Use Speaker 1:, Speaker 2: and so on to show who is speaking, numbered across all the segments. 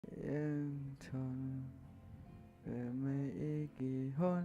Speaker 1: ยังทนเพื่อไม่อีกกี่หน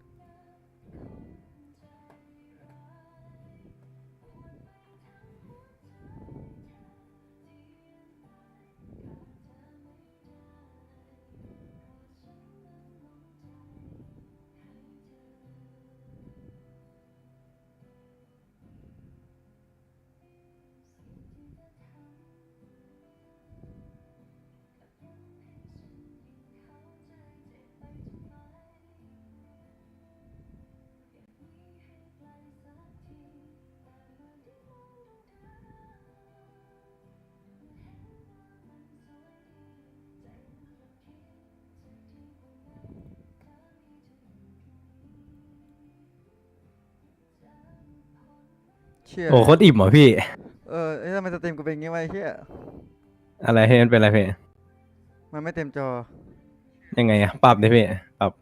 Speaker 1: เชี่ย
Speaker 2: โอ้โคตรอิ่มเหรอพี่
Speaker 1: เอ้ยทำไมสตรีมกูเป็นงี้วะไอ้เชี่ย
Speaker 2: อะไรพี่มันเป็นอะไรพี่
Speaker 1: มันไม่เต็มจอ
Speaker 2: ยังไงอะปรับดิพี่ปรับ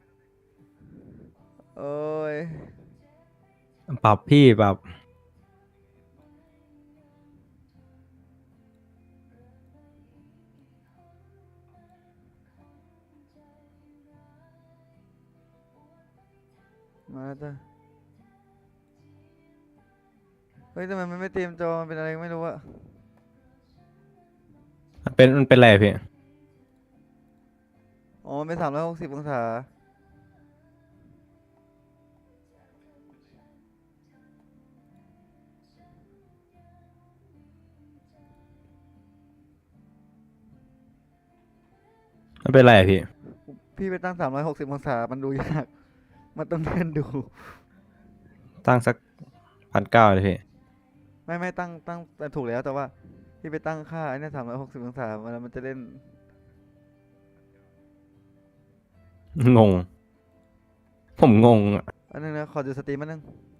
Speaker 1: โอ้ย
Speaker 2: ปรับพี่ปรับ
Speaker 1: มาแล้วจ้ะเฮ้ยทำไมมันไม่เต็มจอมันเป็นอะไรไม่รู้อะ
Speaker 2: มันเป็นอะไรอะพี่
Speaker 1: อ๋อมันเป็น360 องศา
Speaker 2: มันเป็นอะไรอะพี่
Speaker 1: พี่ไปตั้ง360 องศามันดูยากมันต้องเลื่อนดู
Speaker 2: ตั้งสัก1,900เลยพี่
Speaker 1: ไม่ตั้งแต่ถูกแล้วแต่ว่าพี่ไปตั้งค่าไอ้เนี่ย360 องศามันจะเล่น
Speaker 2: งงผมงงอะ
Speaker 1: อันนึงนะขอดูสตรีมอันนึง